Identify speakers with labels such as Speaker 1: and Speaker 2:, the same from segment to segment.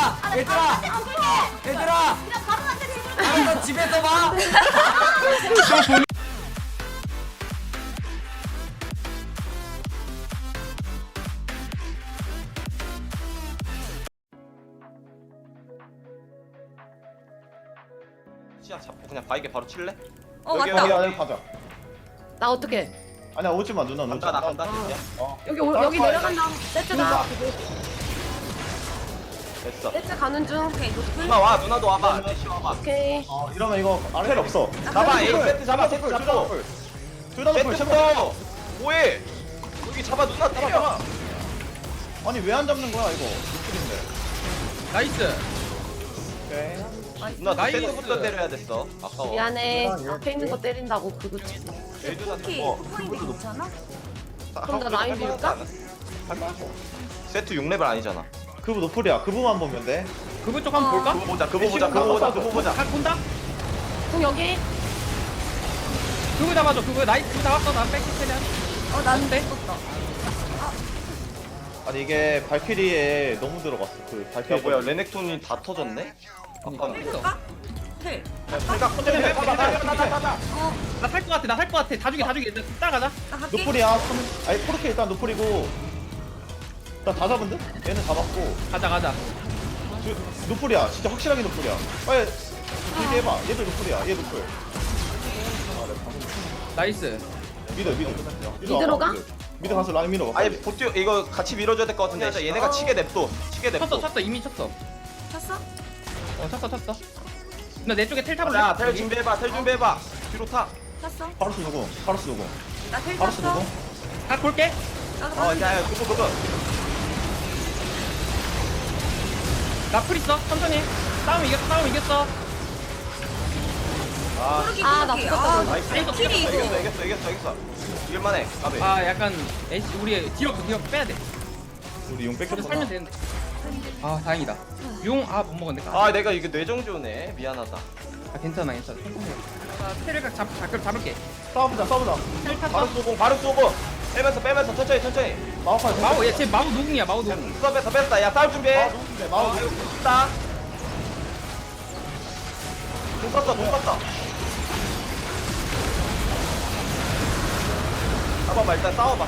Speaker 1: 얘들아
Speaker 2: 그냥 바로 나한테 들고
Speaker 1: 알았어 집에서 봐.
Speaker 3: 시야 잡고 그냥 바이게 바로 칠래?
Speaker 4: 여기
Speaker 3: 맞다.
Speaker 4: 안에 가자.
Speaker 5: 나 어떻게?
Speaker 4: 아니야 오지 마 누나
Speaker 3: 간다 나 간다.
Speaker 5: 여기 내려간다. 세트다.
Speaker 3: 됐어.
Speaker 5: 세트 가는 중. 오케이 노플.
Speaker 3: 누나 와 누나도 와봐. 대시 와봐.
Speaker 5: 오케이.
Speaker 4: 이러면 이거 텔 없어.
Speaker 3: 잡아 A 세트 잡아 세트 잡고.
Speaker 4: 둘다 노플
Speaker 3: 세트
Speaker 4: 셔터.
Speaker 3: 잡고. 뭐해? 여기 잡아 누나 때려.
Speaker 4: 아니 왜 안 잡는 거야 이거? 노플인데.
Speaker 6: 나이스.
Speaker 4: 오케이.
Speaker 3: 누나
Speaker 6: 나이스.
Speaker 3: 세트부터 때려야 됐어. 아까워.
Speaker 5: 미안해. 앞에 있는 거 때린다고 그거 치고.
Speaker 3: 얘도
Speaker 2: 쿠키
Speaker 3: 다
Speaker 2: 포인트 괜찮아?
Speaker 5: 그럼 나 라인 밀까?
Speaker 3: 세트 6레벨 아니잖아.
Speaker 4: 그부 노플이야. 그부만 보면 돼.
Speaker 6: 그분 쪽 한번 볼까?
Speaker 3: 그거 보자 그거 보자 그거 보자 그거 보자.
Speaker 6: 가 본다.
Speaker 5: 공 여기.
Speaker 6: 그거 잡아줘. 그거 나이스. 그거 잡았어. 나 뺏기 최대한.
Speaker 2: 난
Speaker 6: 돼?
Speaker 2: 떴다.
Speaker 4: 아니 이게 발키리에 너무 들어갔어. 그
Speaker 3: 야
Speaker 4: 발키리
Speaker 3: 뭐야 레넥톤이 다 터졌네? 아까
Speaker 6: 했어.
Speaker 2: 텔.
Speaker 3: 생각 컨텐츠 해봐.
Speaker 6: 나살 것 같아. 나 살 것 같아. 다 죽여. 일단 따라가자.
Speaker 2: 나 갈게.
Speaker 4: 노플이야. 아니 포르케 일단 노플이고. 나 다 잡은 듯? 얘는 잡았고.
Speaker 6: 가자.
Speaker 4: 노플이야. 진짜 확실하게 노플이야. 빨리 길게 해봐. 얘도 노플이야. 얘 노플.
Speaker 6: 나이스.
Speaker 4: 미드.
Speaker 5: 미드로 가?
Speaker 4: 미드 가서 라인 밀어.
Speaker 3: 아니 보트 이거 같이 밀어줘야 될 것 같은데 얘네가 치게 냅둬.
Speaker 6: 쳤어. 이미 쳤어.
Speaker 2: 쳤어?
Speaker 6: 쳤어. 나 내 쪽에 텔 타볼래?
Speaker 3: 자, 텔 준비해봐. 뒤로 타.
Speaker 2: 쳤어?
Speaker 4: 파르스 누구?
Speaker 2: 나텔
Speaker 4: 파르스
Speaker 2: 쳤어?
Speaker 4: 누구?
Speaker 6: 가 볼게.
Speaker 2: 나도 가는데.
Speaker 3: 야, 그거.
Speaker 6: 나풀 있어. 천천히. 싸움 이겼어.
Speaker 3: 아,
Speaker 2: 포르기
Speaker 5: 아, 나
Speaker 2: 포르기.
Speaker 5: 죽었다,
Speaker 3: 나이스.
Speaker 2: 발키리 이거.
Speaker 3: 이겼어. 이길만해. 가베.
Speaker 6: 아 약간 에이씨 우리 뒤로 빼야 돼.
Speaker 4: 우리 용
Speaker 6: 그래도
Speaker 4: 뺏겼구나.
Speaker 6: 살면 되는데. 아 다행이다. 용 못 먹었네.
Speaker 3: 아, 내가 이게 뇌정조네. 미안하다.
Speaker 6: 괜찮아. 천천히. 텔을 잡을게.
Speaker 4: 싸워보자.
Speaker 6: 텔 탔어.
Speaker 3: 바로 쏘고. 빼면서 천천히.
Speaker 4: 마우카이.
Speaker 6: 마우 얘 마우 노궁이야. 마우 노궁.
Speaker 3: 뺐다. 야, 싸울 준비해.
Speaker 4: 누군데? 마우.
Speaker 3: 이거 있다. 돈 썼어. 잡아봐, 일단 싸워봐.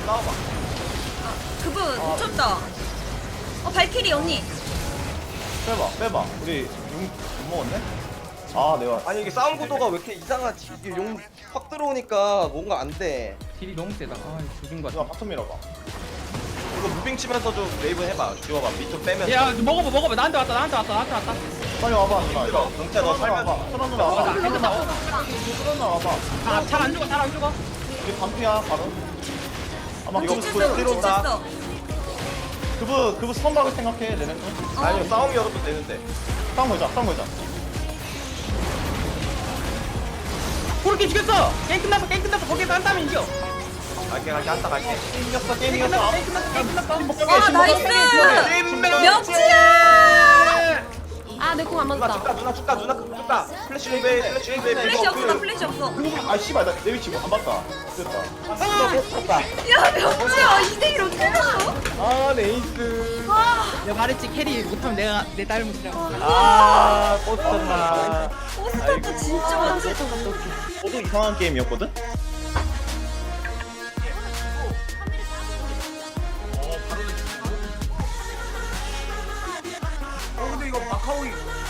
Speaker 2: 그분 놓쳤다. 발키리 언니.
Speaker 4: 빼봐. 우리 용 못 먹었네? 아 내가
Speaker 3: 아니, 이게 싸움 구도가 왜 이렇게 이상하지? 이게 용 확 들어오니까 뭔가 안 돼.
Speaker 6: 딜이 너무 세다. 조진 거
Speaker 4: 누가
Speaker 6: 같아.
Speaker 4: 바텀 밀어봐.
Speaker 3: 이거 무빙 치면서 좀 웨이브 해봐. 지워봐. 밑좀 빼면서.
Speaker 6: 야 먹어봐. 나한테 왔다.
Speaker 4: 빨리 와봐 누나.
Speaker 3: 들어. 동태 너 살면.
Speaker 4: 천원 누나 와봐.
Speaker 6: 맞아, 괜찮다.
Speaker 4: 천원 누나 와봐.
Speaker 6: 잘 안 죽어.
Speaker 4: 우리 반피야 바로. 아마
Speaker 3: 이거
Speaker 4: 그부
Speaker 3: 쳤어.
Speaker 4: 뒤로 온다.
Speaker 2: 쳤어.
Speaker 4: 그부 스턴박을 생각해 내는 거.
Speaker 3: 아니, 싸움 열어도 되는데.
Speaker 4: 싸움 걸자.
Speaker 6: 그렇게 죽였어. 게임 끝났어. 거기서 한 다음에 이겨.
Speaker 3: 갈게.
Speaker 4: 게임 이겼어.
Speaker 6: 게임 끝났어.
Speaker 2: 와 나이스. 명치야.
Speaker 5: 아, 내 공 안 맞았다.
Speaker 3: 누나 죽다. 플래시 웨이브.
Speaker 2: 플래시 없어. 나 플래시 없어.
Speaker 4: 아 씨발 나 내 위치 안 봤다. 됐다.
Speaker 2: 야 명치야 2대1 어떻게 했어?
Speaker 3: 아, 네이스.
Speaker 6: 내가 말했지 캐리 못하면 내 딸못이라고.
Speaker 3: 아, 꽂혔나.
Speaker 2: 포스터도 진짜 많지.
Speaker 4: 모두 이상한 게임이었거든?
Speaker 1: 근데 이거 마카오이.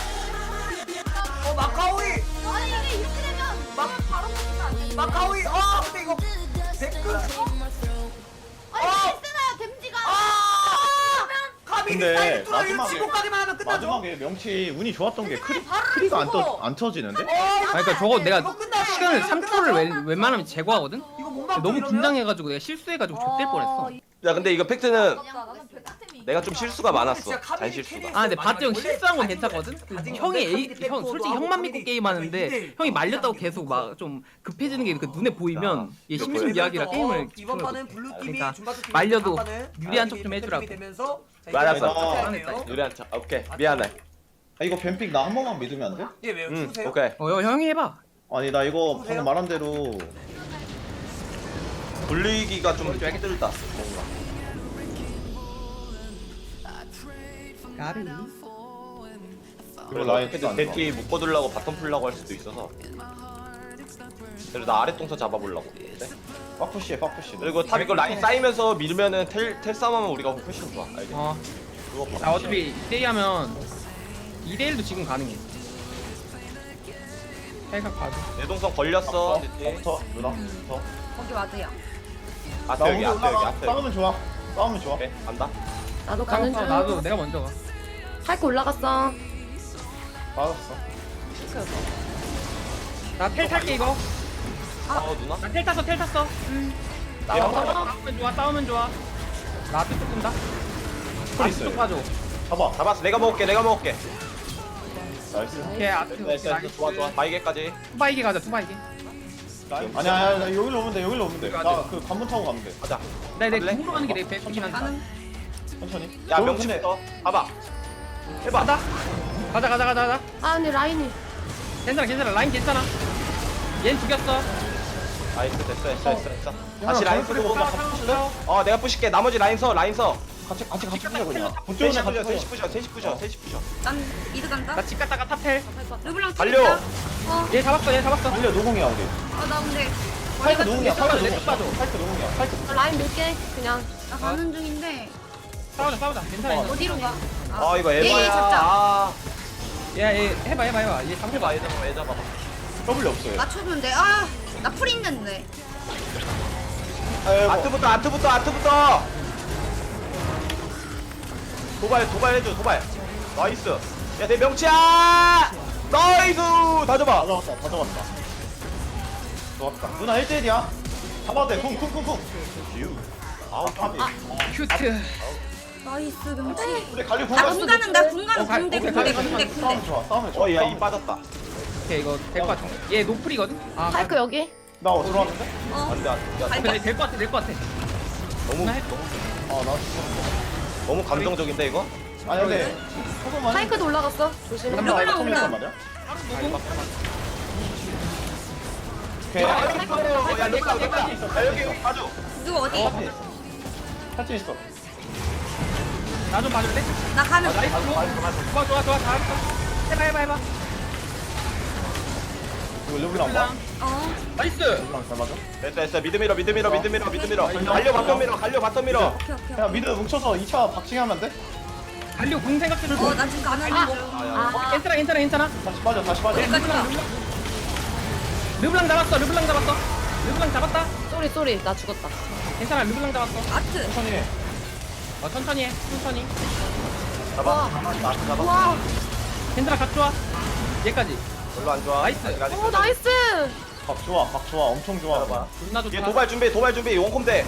Speaker 1: 마카오이.
Speaker 2: 아니 이게 이렇게 되면 막 바로 먹는 거 아니야?
Speaker 1: 마카오이. 근데 이거 댓글.
Speaker 2: 아니 쓰나요 댐지가.
Speaker 1: 카빈이
Speaker 4: 근데
Speaker 1: 사이드 뚫어. 이거
Speaker 4: 마지막에-
Speaker 1: 지고까지만 하면 끝나죠.
Speaker 4: 마지막에 명치 운이 좋았던 게
Speaker 2: 바로
Speaker 4: 크리가
Speaker 2: 죽어.
Speaker 4: 안 터지는데?
Speaker 6: 그러니까 저거 내가
Speaker 1: 이거 끝나요.
Speaker 6: 시간을
Speaker 1: 이거
Speaker 6: 3초를
Speaker 1: 끝나죠.
Speaker 6: 웬만하면 제거하거든.
Speaker 1: 이거 못 막고
Speaker 6: 너무
Speaker 1: 이러면?
Speaker 6: 긴장해가지고 내가 실수해가지고 좆될 뻔했어.
Speaker 3: 야, 근데 이거 팩트는
Speaker 2: 나는 백화템이.
Speaker 3: 내가 좀 실수가 많았어. 잔실수가.
Speaker 6: 아 근데 바트 형 실수한 건 괜찮거든? 형 솔직히 형만 믿고 게임하는데 형이 말렸다고 계속 막 좀 급해지는 게 그 눈에 보이면 얘 심심 미약이라 게임을
Speaker 1: 이번 판은
Speaker 6: 집중을
Speaker 1: 블루 팀이
Speaker 6: 그러니까
Speaker 1: 준바트 팀이
Speaker 6: 말려도
Speaker 1: 다음판은
Speaker 6: 유리한
Speaker 1: 팀이
Speaker 6: 척좀 해주라고.
Speaker 1: 되면서 자,
Speaker 3: 맞았어.
Speaker 1: 이제
Speaker 4: 아,
Speaker 3: 유리한 차. 오케이. 미안해.
Speaker 4: 아 이거 뱀픽 나 한 번만 믿으면 안 돼?
Speaker 1: 예, 왜요?
Speaker 3: 응,
Speaker 1: 주세요.
Speaker 3: 오케이.
Speaker 6: 형이 해봐.
Speaker 4: 아니 나 이거 방금 말한 대로
Speaker 3: 굴리기가 좀 힘들다. 뭔가.
Speaker 6: 까비.
Speaker 4: 그리고 라인
Speaker 3: 근데 대티 묶어두려고 바텀 풀려고 할 수도 있어서. 그래서 나 아래 동선 잡아보려고. 네?
Speaker 4: 빡푸시해 빡푸시.
Speaker 3: 그리고 탑 이거 라인 쌓이면서 밀면은 텔 싸움하면 우리가 훨씬 좋아. 알겠지? 그거
Speaker 6: 나 어차피 2대2하면 2대1도 지금 가능해. 살짝 봐줘.
Speaker 3: 내 동선 걸렸어. 대티.
Speaker 4: 더 누나 더.
Speaker 2: 거기 맞아요.
Speaker 3: 아트 여기 아트 여기 아트 여기.
Speaker 4: 싸우면 좋아. 싸우면 좋아.
Speaker 3: 오케이 간다.
Speaker 5: 나도 가는 중.
Speaker 6: 나도 내가 먼저 가.
Speaker 5: 할거 올라갔어.
Speaker 4: 맞았어.
Speaker 6: 나 텔 탈게 이거.
Speaker 3: 누나?
Speaker 6: 나 텔 탔어 텔 탔어.
Speaker 3: 얘 한 번.
Speaker 6: 싸우면 좋아 싸우면 좋아. 나 앞에 쪽 끈다.
Speaker 4: 풀 있어요.
Speaker 6: 쪽 봐줘.
Speaker 4: 잡아.
Speaker 3: 잡았어. 내가 먹을게. 내가 먹을게.
Speaker 4: 나이스.
Speaker 6: 오케이 앞에
Speaker 3: 나이스 나이스. 좋아 좋아. 바이게까지.
Speaker 6: 투바이게 가자 투바이게.
Speaker 4: 아니야 여기로 오면 돼 여기로 오면 돼. 나 그 관문 타고 가면 돼.
Speaker 3: 가자.
Speaker 6: 내
Speaker 3: 갈래?
Speaker 6: 궁으로 가는 게내 배긴 한다.
Speaker 4: 천천히.
Speaker 3: 야
Speaker 4: 너무
Speaker 3: 명치부터. 봐봐. 해봐.
Speaker 6: 가자.
Speaker 5: 아 근데 라인이.
Speaker 6: 괜찮아 라인 괜찮아. 얜 죽였어.
Speaker 3: 나이스 됐어.
Speaker 4: 야,
Speaker 3: 다시 라인
Speaker 4: 잘못
Speaker 3: 쓰고.
Speaker 4: 쓰고 같이 부실래?
Speaker 3: 내가 부실게. 나머지 라인 서.
Speaker 4: 같이 부셔 그냥.
Speaker 3: 셋이
Speaker 4: 붙여오네 같이
Speaker 3: 부셔.
Speaker 4: 부셔.
Speaker 3: 셋이 부셔.
Speaker 2: 난 미드 간다.
Speaker 6: 나 집 갔다가 탑텔.
Speaker 2: 르블랑
Speaker 3: 달려.
Speaker 6: 얘 잡았어.
Speaker 4: 달려 노공이야 우리.
Speaker 2: 나 근데
Speaker 4: 파이크 노공이야.
Speaker 6: 빠져,
Speaker 4: 파이크
Speaker 6: 내
Speaker 4: 노공.
Speaker 6: 빠져.
Speaker 4: 파이크 노공이야. 파이크.
Speaker 5: 라인 밀게 그냥.
Speaker 2: 나 가는 중인데
Speaker 6: 싸우자. 괜찮아.
Speaker 2: 어디로 가?
Speaker 3: 이거
Speaker 2: 얘
Speaker 3: 에바야.
Speaker 2: 잡자.
Speaker 6: 얘 해봐. 얘 잡아봐.
Speaker 3: 해봐. 얘 잡아봐.
Speaker 4: W 없어요.
Speaker 2: 맞춰주면 돼. 나 풀 있는데.
Speaker 3: 아트부터. 도발 해줘. 도발. 나이스. 야 내 명치야. 나이스. 다 잡아.
Speaker 4: 다 잡았다. 좋았다. 누나 1대1이야. 잡아도 돼. 쿵. 아우 탑이.
Speaker 6: 큐트.
Speaker 2: 나이스 명치.
Speaker 4: 우리 갈리
Speaker 2: 나
Speaker 4: 공간
Speaker 2: 군가는 나 군가는
Speaker 6: 오케이,
Speaker 2: 군대.
Speaker 4: 싸우면 좋아. 싸우면 좋아.
Speaker 3: 야 이 빠졌다.
Speaker 6: 오케이 이거 될 것 같아. 얘 노플이거든.
Speaker 5: 할거 여기.
Speaker 4: 나 들어왔는데?
Speaker 3: 안돼. 야
Speaker 6: 근데 될 것 같아.
Speaker 3: 너무
Speaker 6: 나
Speaker 3: 너무 감정적인데 이거?
Speaker 4: 아니 근데 소금만.
Speaker 5: 파이크도 올라갔어. 조심해.
Speaker 4: 나 이거 통일단 말이야? 오케이.
Speaker 3: 야 내가 여기 가져.
Speaker 2: 누구 어디?
Speaker 4: 탈진 있어.
Speaker 6: 나 좀 봐줄래?
Speaker 2: 나 가는 중.
Speaker 6: 좋아. 잘했어. 해봐.
Speaker 4: 이거 르블랑 봐.
Speaker 6: 나이스.
Speaker 4: 르블랑 잘 맞아.
Speaker 3: 됐어. 미드 밀어. 갈려 바텀 밀어.
Speaker 2: 오케이.
Speaker 4: 야 미드 뭉쳐서 2차 박치기 하면 돼?
Speaker 6: 달려 공 생각해줘.
Speaker 2: 나 지금 가는 중.
Speaker 6: 괜찮아.
Speaker 4: 다시 빠져.
Speaker 2: 여기까지 가.
Speaker 6: 르블랑 잡았어. 르블랑 잡았다.
Speaker 5: 쏘리 나 죽었다.
Speaker 6: 괜찮아. 르블랑 잡았어.
Speaker 2: 아트.
Speaker 4: 천천히 해.
Speaker 6: 천천히 해.
Speaker 3: 잡아.
Speaker 5: 와.
Speaker 6: 괜찮아. 각 좋아. 얘까지.
Speaker 3: 별로 안 좋아.
Speaker 6: 나이스.
Speaker 5: 오 나이스.
Speaker 4: 각 좋아. 엄청 좋아.
Speaker 3: 봐봐.
Speaker 6: 존나 좋다.
Speaker 3: 얘 도발 준비. 원콤 돼.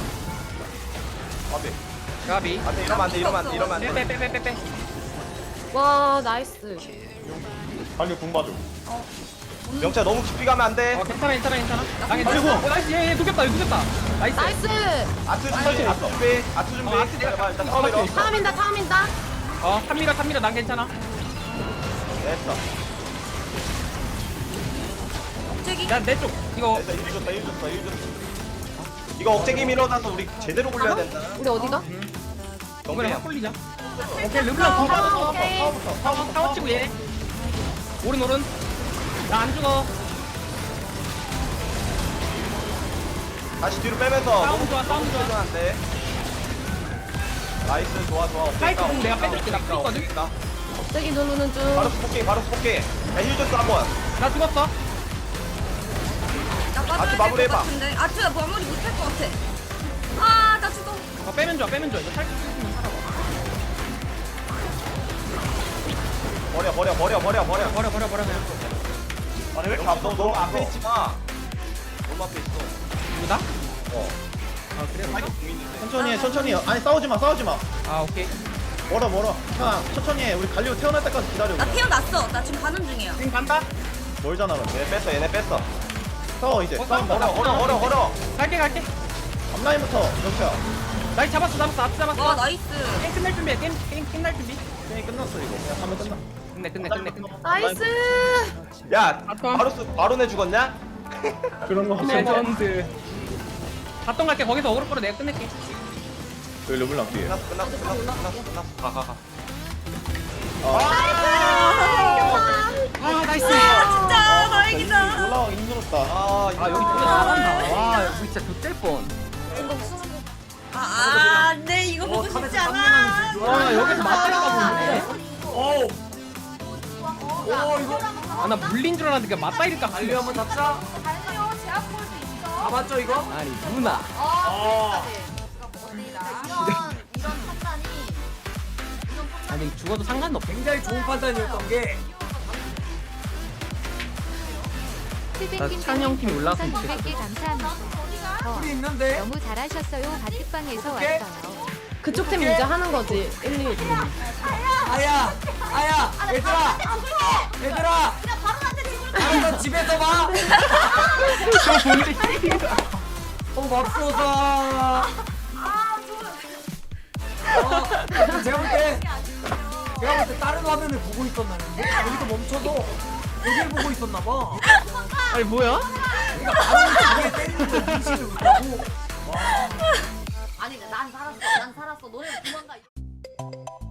Speaker 6: 가비.
Speaker 3: 안돼 이러면 안 돼.
Speaker 6: 빼.
Speaker 5: 와 나이스.
Speaker 4: 갈리 궁 봐줘.
Speaker 3: 명차 너무 깊이 가면 안 돼.
Speaker 6: 괜찮아. 나 괜찮아.
Speaker 4: 아이고.
Speaker 6: 나이스. 얘 녹였다. 나이스.
Speaker 5: 나이스.
Speaker 3: 아트 준비.
Speaker 6: 아트 내가
Speaker 3: 일단 처음에 넣어.
Speaker 5: 타민다.
Speaker 6: 탑니다. 난 괜찮아.
Speaker 3: 됐어.
Speaker 2: 갑자기.
Speaker 6: 내 쪽. 이거
Speaker 3: 됐어. 일 줬다. 이거 억제기 밀어놔서 우리 제대로 굴려야 된다.
Speaker 5: 우리 어디가?
Speaker 6: 이번에
Speaker 3: 정리야.
Speaker 6: 확 올리자. 오케이. 르블랑 공 받았어.
Speaker 5: 오케이.
Speaker 6: 타워 치고 얘. 오른. 나 안 죽어.
Speaker 3: 다시 뒤로 빼면서
Speaker 6: 싸움 좋아.
Speaker 3: 안 돼. 나이스 좋아.
Speaker 6: 파이트 공 내가 빼줄게. 나 풀 있거든.
Speaker 5: 갑자기 누르는 중.
Speaker 3: 바로 스포킹. 야힐 줬어 한번.
Speaker 6: 나 죽었어.
Speaker 2: 나
Speaker 3: 아트
Speaker 2: 빠져야 될것
Speaker 3: 마무리해봐.
Speaker 2: 같은데. 아트 마무리 못할 것 같아. 나 죽어.
Speaker 6: 빼면 좋아. 이거 살짝 있으면 살아봐.
Speaker 3: 버려.
Speaker 6: 그냥.
Speaker 3: 아니 왜 이렇게 너무 앞에 있지 마. 너무 앞에 있어.
Speaker 6: 누구다?
Speaker 3: 아 그래?
Speaker 4: 천천히 해. 아니 싸우지 마.
Speaker 6: 오케이.
Speaker 4: 멀어. 그냥 천천히 해. 우리 갈리오 태어날 때까지 기다려.
Speaker 2: 나 태어났어. 나 지금 가는 중이야.
Speaker 6: 지금 간다.
Speaker 4: 멀잖아. 근데.
Speaker 3: 얘네 뺐어.
Speaker 4: 싸워 이제. 싸움
Speaker 3: 걸어.
Speaker 6: 갈게.
Speaker 4: 앞라인부터 이렇게.
Speaker 6: 나 잡았어. 앞 잡았어.
Speaker 2: 나이스.
Speaker 6: 게임 끝날 준비해. 게임 끝날 준비.
Speaker 4: 게임 끝났어 이거. 그냥 하면 끝나.
Speaker 6: 끝내.
Speaker 5: 나이스.
Speaker 3: 야
Speaker 6: 바텀.
Speaker 3: 바로 내 죽었냐?
Speaker 4: 그런 거 없어.
Speaker 6: 레전드. 바텀 갈게. 거기서 어그로 끌어 내가 끝낼게.
Speaker 4: 르블랑 뒤에.
Speaker 3: 끝났어. 가.
Speaker 4: 아. 좋았다.
Speaker 3: 아
Speaker 6: 아 여기 진짜 잘한다. 와 여기 진짜 좆될 뻔.
Speaker 2: 안돼 이거 보고 싶지 않아.
Speaker 6: 와 여기서 맞다리까 보는데.
Speaker 1: 오 이거
Speaker 6: 아나 물린 줄 알았는데 그냥 맞다리까
Speaker 1: 달리 한번 잡자.
Speaker 2: 달려 제압 볼수 있어.
Speaker 1: 잡았죠 이거?
Speaker 6: 아니 누나.
Speaker 2: 이런 판단이
Speaker 6: 아니 죽어도 상관없어.
Speaker 1: 굉장히 좋은 판단이었던 게
Speaker 6: 나 찬영 팀이 올라왔으면 좋겠어.
Speaker 7: 100개 감사합니다.
Speaker 1: 우리 있는데
Speaker 7: 너무 잘하셨어요. 바티방에서
Speaker 1: 오케이.
Speaker 7: 왔어요.
Speaker 5: 그쪽 팀 이제 하는 거지. 1, 2.
Speaker 1: 아야 얘들아
Speaker 2: 바로 나한테 죽을
Speaker 1: 알아서 집에서 봐.
Speaker 6: 저 뭔데?
Speaker 1: 맙소사. 제가 볼 때 다른 화면을 보고 있었나 근데 여기서 멈춰서 여기를 보고 있었나 봐.
Speaker 6: 아니 뭐야?
Speaker 1: 그러니까 바로 뒤에 때리는 걸 인식을 못하고.
Speaker 2: 아니 난 살았어. 너네 도망가.